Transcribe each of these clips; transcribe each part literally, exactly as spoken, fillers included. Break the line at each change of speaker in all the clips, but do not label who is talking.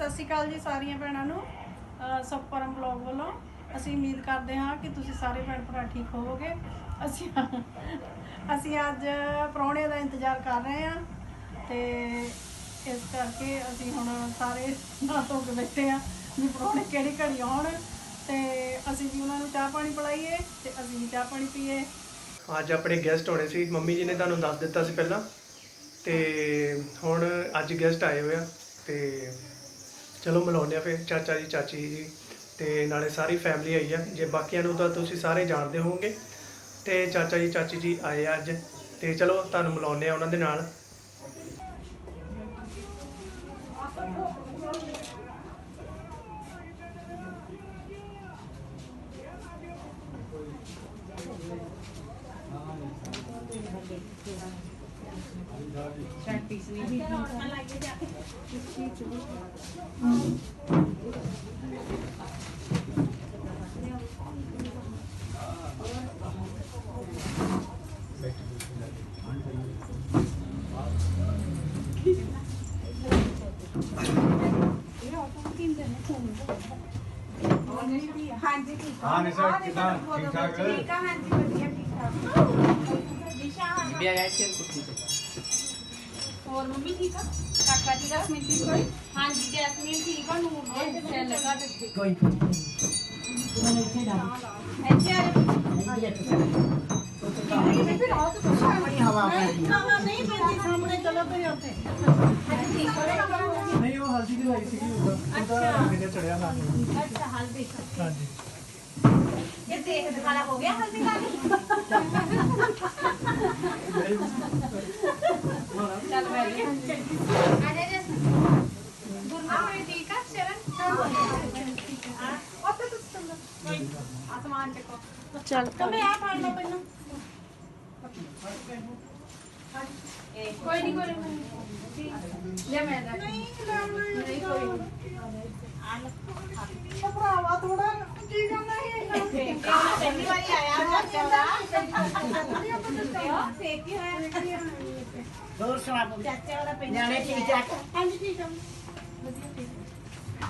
सत श्री अकाल जी सारिया भैनों नूं सुखपरम ब्लॉग वालों असीं उम्मीद करते हाँ कि तुसीं सारे भैन भरा ठीक होवोगे। असीं असीं अज प्राहुणे का इंतजार कर रहे हैं तो इस करके असीं हुण सारे नहा धो के बैठे हाँ भी प्राहुणे किहड़ी घड़ी आउण ते असीं भी उन्हां नूं चाह पानी पिलाईए ते असीं भी चाह पानी पीए।
अज अपने गेस्ट होने सी मम्मी जी ने तुहानूं दस दिता सी पहलां ते हुण अज गेस्ट आए हुए आ ते चलो मिलाउने फिर चाचा जी चाची जी ते नाले सारी फैमिली आई है। जे बाकियां नूं तां तुसीं सारे जानते होवोगे ते चाचा जी चाची जी आए अज ते चलो तुहानूं मिलाउने आ उन्हां दे नाल।
हाँ जी ठीक
हाँ निशा कितना ठीक ठाक है
ठीक है हाँ जी बढ़िया ठीक ठाक दिशा
भी आया शेर कुछ
और मम्मी ठीक है काका जी जैस्मीन ठीक है हाँ जी जैस्मीन ठीक है नूर ने सेल लगा दे
कोई
ऐसे आ ये फिर आओ तो सामने हवा में हवा नहीं पैंती सामने चलो तो होते ठीक है
नहीं वो हल्दी दी लाई सीगी उधर मेरे चढ़िया ना
अच्छा हल्दी
हां जी
ये देख दिखाना हो गया हल्दी का चल बैठ आ जा जा गुरना में ठीक है शरण और तो तुम आसमान देखो
चल
तो मैं आ फाड़ लो पन्ना कोई नहीं कोई नहीं ले मैं नहीं नहीं कोई भरावा थोड़ा की करना है पहली बार आया सेक ही है
दूर सुना
चाचा वाला पेन
जाने ठीक ठाक
हां जी ठीक है बढ़िया ठीक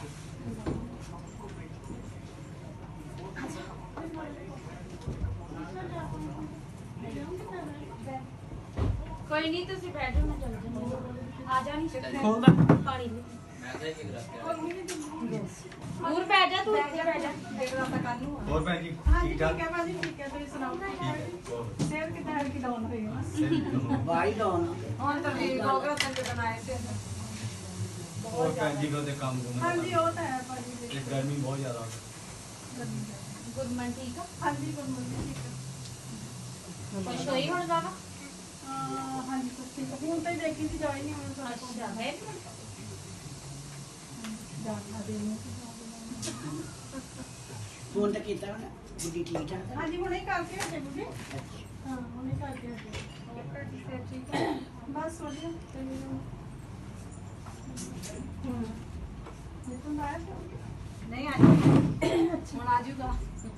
कोई नहीं तुसी बैठो ना चल जाओ आ जा नहीं
होगा
पानी
मैं तो एक रख
दूर बैठ जा तू ਇੱਥੇ बैठ जा देख रहा था कालू
और भैन जी
हाँ जी
ठीक
ठीक
ठाक
है भाजी ठीक है तुसीं सुनाओ सेहत कितना है की डाउन हुई है
भाई दोनों
और तो भी गोगरा तंग बनाए थे
और भैन जी को ते काम करना
हाँ जी वो तो है भाजी
ये गर्मी बहुत ज्यादा है
गुरमन ठीक है
हाँ जी गुड मॉर्निंग ठीक है
खुश होई ਹੁਣ ਜਾਵਾ
हाँ जी कुछ ठीक है ਹੁਣ ਤਾਂ ਹੀ ਦੇਖੀ ਸੀ ਜਾਈ ਨਹੀਂ ਹੁਣ ਸਾਰਾ ਕੁਝ
ਅੱਛਾ ਹੈ
ਜਾਣਾ ਦੇਣੀ
फोन तो कीता ना बुढ़ी ठीक ठाक
हाँ जी ਹੁਣੇ ਕਰਕੇ ਹਟੇ ਬੁੱਢੀ ਹਾਂ ਹੁਣੇ ਕਰਕੇ ਹਟੇ
और ਤੁਹਾਡੀ ਸਿਹਤ ਠੀਕ ਹੈ
ਬਸ ਵਧੀਆ ਤੇ ਹੂੰ ਇਹ ਤਾਂ ਆਇਆ ਸੀ
ਨਹੀਂ ਆਇਆ ਹੁਣ ਆ ਜਾਊਗਾ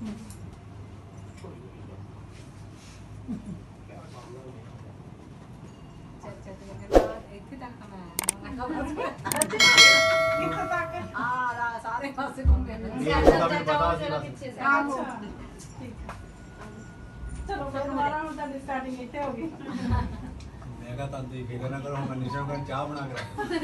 ਚਾਚਾ ਤੇ ਕਹਿੰਦਾ ਇੱਥੇ ਤੱਕ ਮੈਂ
ਕਿੱਥੇ ਤੱਕ
ਆ ਰਾ ਸਾਰੇ ਪਾਸੇ ਘੁੰਮੇ
ਇਹ ਤਾਂ ਵੀ ਪਤਾ ਸੀ ਬਸ
ਪਿੱਛੇ ਸੇ
ਅੱਛਾ ਠੀਕ ਹੈ ਚਲੋ ਫਿਰ ਦੁਬਾਰਾ ਹੁਣ ਤਾਂ ਸਟਾਰਟਿੰਗ ਇੱਥੇ ਹੋ ਗਈ
मैं कहा तब दी फिक्र ना करो मैं निशा को चाय बना के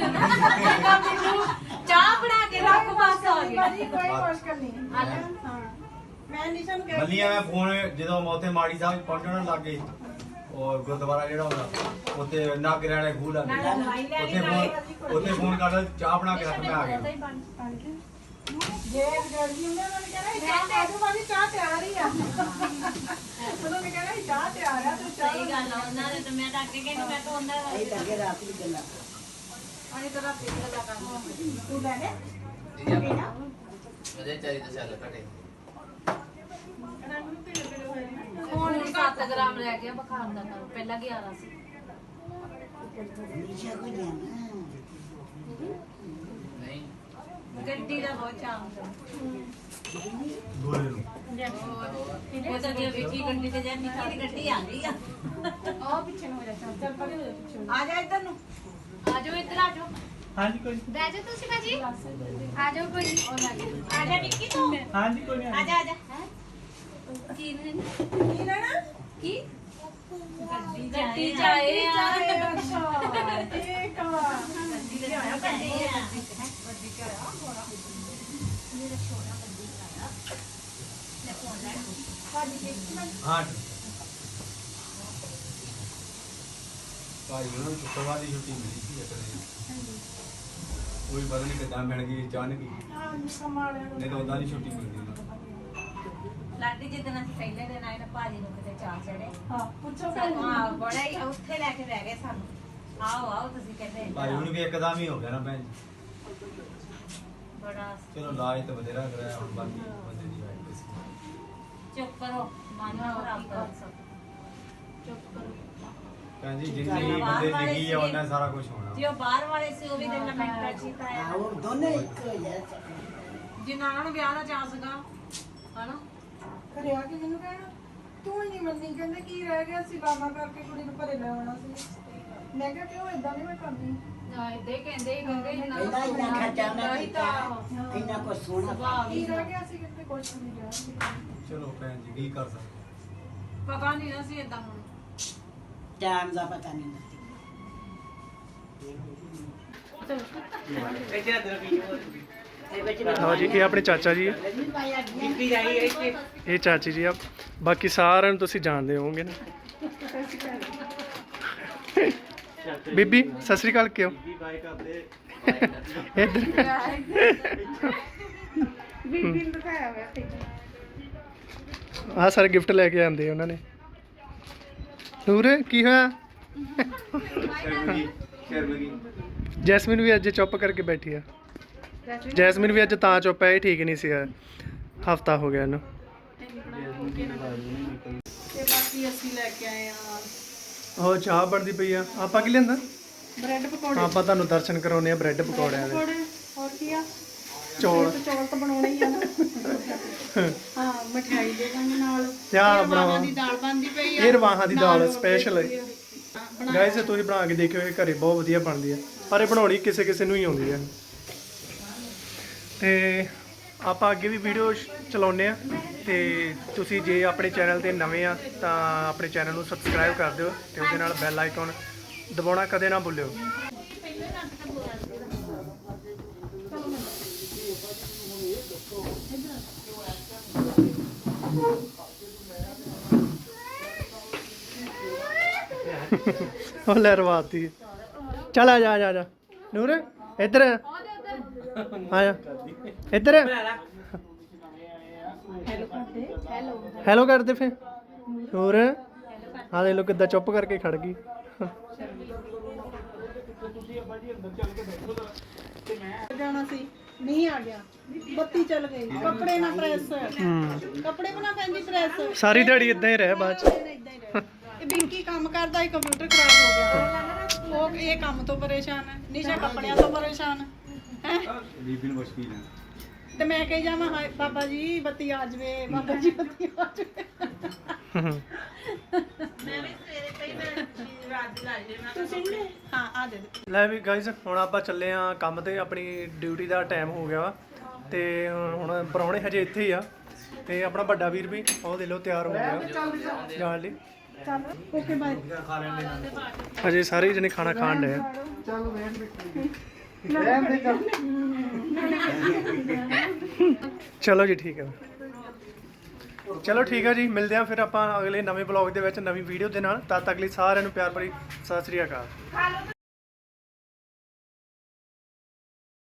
ਚਾਹ ਬਣਾ ਕੇ ਰੱਖ ਬਸ ਆ ਗਿਆ
ਭਾਜੀ ਕੋਈ ਮੁਸ਼ਕਲ ਨਹੀਂ ਹਾਂ ਮੈਂ ਨਿਸ਼ਾ ਨੂੰ ਕਹਿ
ਮੱਲੀਆਂ ਮੈਂ ਫੋਨ ਜਦੋਂ ਮੈਂ ਉੱਥੇ ਮਾੜੀ ਸਾਹਿਬ ਪਹੁੰਚਣ ਲੱਗ ਗਏ ਔਰ ਗੁਰਦੁਆਰਾ ਜਿਹੜਾ ਹੁੰਦਾ ਉੱਥੇ ਨਾਗਰੇ ਵਾਲੇ ਖੂਹ ਲੱਗ ਗਏ ਉੱਥੇ ਫੋਨ ਉੱਥੇ ਫੋਨ ਕਰ ਚਾਹ ਬਣਾ ਕੇ ਰੱਖ ਮੈਂ ਆ ਗਿਆ
ਜੇ ਗਰਮੀ ਹੁੰਦੀ ਉਹਨਾਂ ਨੇ ਕਹਿਣਾ ਚਾਹ ਆਜੋ ਭਾਜੀ ਚਾਹ ਤਿਆਰ ਹੀ ਆ ਉਹਨਾਂ ਨੇ ਕਹਿਣਾ ਚਾਹ ਤਿਆਰ ਆ ਤੂੰ ਚਾਹ
ਸਹੀ ਗੱਲ ਆ ਉਹਨਾਂ ਨੇ ਤਾਂ ਮੈਂ ਤਾਂ ਅੱਗੇ ਕਹਿੰਦੀ ਮੈਂ ਤਾਂ ਉਹਨਾਂ ਦਾ
यही करके रात की गल्ला
ਪਾਣੀ ਤਾਂ ਰਾਤੀ ਦਾ ਕੰਮ
ਤੂੰ ਲੈ ਲੈ
ਉਹਦੇ ਚਾਰੀ ਤੇ ਚੱਲ ਘਟੇ
ਰੰਗ ਨੂੰ ਪੀਲੇ ਪੀਲੇ ਹੋਏ ਨੇ
ਹੁਣ ਵੀ ਸੱਤ ਗ੍ਰਾਮ ਰਹਿ ਗਿਆ ਬੁਖਾਰ ਦਾ ਤਾਂ ਪਹਿਲਾਂ ਗਿਆਰਾਂ ਸੀ
नीचे को जाना ਨਹੀਂ
ਗੱਡੀ ਦਾ ਬਹੁਤ ਚਾਮ ਸੀ
ਗੋਰੇ ਨੂੰ
ਉਹ ਤਾਂ ਜੇ ਵਿੱਕੀ ਗੱਡੀ ਤੇ ਜਾਂ ਨਿੱਕੀ ਦੀ ਗੱਡੀ ਆ ਗਈ ਆ
ਆ ਪਿੱਛੇ ਨੂੰ ਹੋ ਜਾ ਚੱਲ ਚੱਲ ਪਰੇ ਹੋ ਜਾ ਪਿੱਛੇ
ਆ ਜਾ ਇੱਧਰ ਨੂੰ ਆ ਜਾਓ ਇੱਧਰ ਆ ਜਾਓ
ਹਾਂਜੀ ਕੋਈ
ਬਹਿ ਜਾ ਤੁਸੀਂ ਭਾਜੀ ਆ ਜਾਓ ਕੋਈ ਆ ਜਾ ਨਿੱਕੀ ਤੂੰ
ਹਾਂਜੀ ਕੋਈ
ਆ ਜਾ ਆ ਜਾ ਕੀ ਨੇ
ਕੀ ਲੈਣਾ
ਕੀ ਗੱਡੀ ਜਾਏ ਆ
ਠੀਕ ਆ
ਹਾਂ ਭਾਈ ਉਹਨਾਂ ਨੂੰ ਸ਼ੁੱਕਰਵਾਰ ਦੀ ਛੁੱਟੀ ਮਿਲੀ ਸੀ ਇੱਕ ਦਿਨ ਕੋਈ ਪਤਾ ਨਹੀਂ ਕਿੱਦਾਂ ਮਿਲ ਗਈ ਅਚਾਨਕ ਹੀ
ਹਾਂ ਕਮਾਲਿਆਂ ਨੂੰ
ਨਹੀਂ ਤਾਂ ਉਦਾਂ ਦੀ ਛੁੱਟੀ ਮਿਲਦੀ ਉਹਨਾਂ ਨੂੰ।
ਲਾਡੀ ਜਿੱਦਣ ਅਸੀਂ ਪਹਿਲੇ ਦਿਨ ਆਏ ਨਾ ਭਾਜੀ ਨੂੰ ਕਿਤੇ ਚਾਹ ਚੜੇ
ਹਾਂ ਪੁੱਛੋ
ਸਾਨੂੰ ਆ ਬੜਾ ਹੀ ਉੱਥੇ ਲੈ ਕੇ ਬਹਿ ਗਏ ਸਾਨੂੰ ਆਓ ਆਓ ਤੁਸੀਂ ਕਹਿੰਦੇ
ਭਾਈ ਹੁਣ ਵੀ ਇੱਕਦਮ ਹੀ ਹੋ ਗਿਆ ਨਾ ਭੈਣ ਜੀ।
ਬੜਾ
ਚਲੋ ਇਲਾਜ ਤਾਂ ਬਥੇਰਾ ਕਰਾਇਆ ਹੁਣ ਬਾਕੀ ਬੰਦੇ ਦੀ ਵਾਈਟ ਸੀ
ਚੁੱਪ ਕਰੋ ਮਨ ਨਾ ਖਰਾਬ ਕਰੋ ਚੁੱਪ ਕਰੋ
ਭੈਣ ਜੀ ਜਿੰਨੀ ਬੰਦੇ ਲਿਖੀ ਆ ਉਹਨਾਂ ਸਾਰਾ ਕੁਝ ਹੋਣਾ
ਜੋ ਬਾਹਰ ਵਾਲੇ ਸੀ ਉਹ ਵੀ ਦਿਨ ਲਮੈਂਟਾ ਚੀਤਾ
ਹਾਂ
ਆ
ਉਹ ਦੋਨੇ ਇੱਕ ਹੋ ਜਾ
ਜਿਨ੍ਹਾਂ ਨੂੰ ਵਿਆਹ ਦਾ ਚਾਹ ਸੀਗਾ ਹਨਾ
ਕਰਿਆ ਕਿ ਮੈਨੂੰ ਕਹਿਣਾ ਤੂੰ ਹੀ ਨਹੀਂ ਮੰਨੀ ਕਹਿੰਦੇ ਕੀ ਰਹਿ ਗਿਆ ਸੀ ਬਾਬਾ ਕਰਕੇ ਕੁੜੀ ਨੂੰ ਘਰੇ ਲੈ ਆਉਣਾ ਸੀ ਮੈਂ ਕਿਹਾ ਕਿਉਂ ਇਦਾਂ ਨਹੀਂ ਮੈਂ ਕਰਦੀ
ਨਾ ਇਦਾਂ ਕਹਿੰਦੇ ਕਹਿੰਦੇ
ਇੰਨਾ ਇੰਨਾ ਖਰਚਾ ਮੈਂ ਕੀਤਾ ਇੰਨਾ ਕੁਛ ਸੋਹਣਾ
ਕੀ ਰਹਿ ਗਿਆ ਸੀ ਕਿਤੇ ਕੁਛ ਨਹੀਂ ਰਿਹਾ
ਚਲੋ ਭੈਣ ਜੀ ਕੀ ਕਰ ਸਕਦੇ
ਪਤਾ ਨਹੀਂ ਅਸੀਂ ਇਦਾਂ ਹੁਣ
ਟਾਈਮ ਦਾ ਪਤਾ ਨਹੀਂ
ਲਓ ਜੀ ਇਹ ਆਪਣੇ ਚਾਚਾ ਜੀ ਆ। ਇਹ ਚਾਚੀ ਜੀ ਆ ਬਾਕੀ ਸਾਰਿਆਂ ਨੂੰ ਤੁਸੀਂ ਜਾਣਦੇ ਹੋਵੋਗੇ ਨਾ ਬੀਬੀ ਸਤਿ ਸ੍ਰੀ ਅਕਾਲ ਕਿਉਂ ਇੱਧਰ
ਬੀਬੀ ਨੂੰ ਦਿਖਾਇਆ ਹੋਇਆ ਠੀਕ
ਆਹ ਸਾਰੇ ਗਿਫਟ ਲੈ ਕੇ ਆਂਦੇ ਉਹਨਾਂ ਨੇ ਨੂਰ ਕੀ ਹੋਇਆ
ਸ਼ਰਮਗੀ ਸ਼ਰਮਗੀ
ਜੈਸਮੀਨ ਵੀ ਅੱਜ ਚੁੱਪ ਕਰਕੇ ਬੈਠੀ ਆ ਜੈਸਮੀਨ ਵੀ ਅੱਜ ਤਾਂ ਚੁੱਪ ਹੈ ਇਹ ਠੀਕ ਨਹੀਂ ਸੀਗਾ ਹਫਤਾ ਹੋ ਗਿਆ ਇਹਨੂੰ
ਤੇ ਬਾਕੀ ਅਸੀਂ ਲੈ ਕੇ ਆਏ ਆ
ਉਹ ਚਾਹ ਬਣਦੀ ਪਈ ਆ ਆਪਾਂ ਕੀ ਲੈਂਦਾ
ਬ੍ਰੈਡ ਪਕੌੜੇ
ਆਪਾਂ ਤੁਹਾਨੂੰ ਦਰਸ਼ਨ ਕਰਾਉਨੇ ਆ ਬ੍ਰੈਡ ਪਕੌੜਿਆਂ ਦੇ
ਪਕੌੜੇ ਹੋਰ ਕੀ ਆ
ਚੌਲ
ਤੇ ਚੌਲ ਤਾਂ ਬਣਾਉਣੇ ਹੀ ਆ ਨਾ ਹਾਂ ਮਠਿਆਈ ਦੇ ਦਾਂਗੇ ਨਾਲ
ਧਿਆਨ ਬਣਾਵਾ
ਦਾਲ ਬਣਦੀ ਪਈ
ਇਹ ਰਵਾਹਾਂ ਦੀ ਦਾਲ ਸਪੈਸ਼ਲ ਹੈ ਗਾਇਸ ਤੁਸੀਂ ਬਣਾ ਕੇ ਦੇਖਿਓ ਇਹ ਘਰੇ ਬਹੁਤ ਵਧੀਆ ਬਣਦੀ ਹੈ ਪਰ ਇਹ ਬਣਾਉਣੀ ਕਿਸੇ ਕਿਸੇ ਨੂੰ ਹੀ ਆਉਂਦੀ ਹੈ ਤੇ ਆਪਾਂ ਅੱਗੇ ਵੀ ਵੀਡੀਓ ਚਲਾਉਂਦੇ ਆ ਤੇ ਤੁਸੀਂ ਜੇ ਆਪਣੇ ਚੈਨਲ ਤੇ ਨਵੇਂ ਆ ਤਾਂ ਆਪਣੇ ਚੈਨਲ ਨੂੰ ਸਬਸਕ੍ਰਾਈਬ ਕਰ ਦਿਓ ਤੇ ਉਹਦੇ ਨਾਲ ਬੈਲ ਆਈਕਨ ਦਬਾਉਣਾ ਕਦੇ ਨਾ ਭੁੱਲਿਓ ਉਹ ਲੈ ਰਵਾਤੀ ਚਲ ਆ ਜਾ ਆ ਜਾ ਆ ਜਾ ਨੂਰ ਇੱਧਰ ਆ ਜਾ ਇੱਧਰ ਹੈਲੋ ਕਰਦੇ ਫੇ ਨੂਰ ਆ ਦੇ ਲੋ ਕਿੱਦਾਂ ਚੁੱਪ ਕਰਕੇ ਖੜ ਗਈ
ਜਾਣਾ ਸੀ ਨਹੀਂ ਆ ਗਿਆ ਬੱਤੀ ਚੱਲ ਗਈ ਕੱਪੜੇ ਨਾ ਪ੍ਰੈਸ
ਹੂੰ
ਕੱਪੜੇ ਬਣਾ ਪੈਂਦੀ ਪ੍ਰੈਸ
ਸਾਰੀ ਦਿਹਾੜੀ ਇਦਾਂ ਹੀ ਰਹਿ ਬਾਅਦ ਚ
ਇਦਾਂ ਹੀ ਰਹਿ ਇਹ ਬਿੰਕੀ ਕੰਮ ਕਰਦਾ ਹੀ ਕੰਪਿਊਟਰ ਖਰਾਬ ਹੋ ਗਿਆ ਉਹ ਇਹ ਕੰਮ ਤੋਂ ਪਰੇਸ਼ਾਨ ਹੈ ਨਿਸ਼ਾ ਕੱਪੜਿਆਂ ਤੋਂ ਪਰੇਸ਼ਾਨ ਹੈ
ਬੀਬੀ ਨੂੰ ਮੁਸ਼ਕਿਲ ਹੈ
ਤੇ ਮੈਂ ਕਹੀ ਜਾਵਾਂ ਹਾਏ ਬਾਬਾ ਜੀ ਬੱਤੀ ਆ ਜਵੇ ਬਾਬਾ ਜੀ ਬੱਤੀ ਆ ਜਵੇ
ਮੈਂ ਵੀ ਸਵੇਰੇ ਪਈ ਮੈਂ ਰਾਤ ਦੀ ਲਾ ਲਈ ਮੈਂ
ਤੁਸੀਂ ਨੇ ਹਾਂ ਆ ਦੇ ਦੇ
ਲੈ ਵੀ ਗਾਇਸ ਹੁਣ ਆਪਾਂ ਚੱਲੇ ਆ ਕੰਮ ਤੇ ਆਪਣੀ ਡਿਊਟੀ ਦਾ ਟਾਈਮ ਹੋ ਗਿਆ ਵਾ ਤੇ ਹੁਣ ਪਰੌਣੇ ਹਜੇ ਇੱਥੇ ਹੀ ਆ ਤੇ ਆਪਣਾ ਵੱਡਾ ਵੀਰ ਵੀ ਉਹ ਦੇ ਲੋ ਤਿਆਰ ਹੋ ਗਿਆ ਜਾਣ ਲਈ
ਚੱਲ ਓਕੇ ਬਾਏ
ਖਾ ਲੈਣੇ
ਹਜੇ ਸਾਰੇ ਜਣੇ ਖਾਣਾ ਖਾਣ ਡਏ ਆ ਚਲੋ ਜੀ ਠੀਕ ਹੈ ਚਲੋ ਠੀਕ ਹੈ ਜੀ ਮਿਲਦੇ ਆ ਫਿਰ ਆਪਾਂ ਅਗਲੇ ਨਵੇਂ ਬਲੌਗ ਦੇ ਵਿੱਚ ਨਵੀਂ ਵੀਡੀਓ ਦੇ ਨਾਲ ਤਦ ਤੱਕ ਲਈ ਸਾਰਿਆਂ ਨੂੰ ਪਿਆਰ ਭਰੀ ਸਤਿ ਸ੍ਰੀ ਅਕਾਲ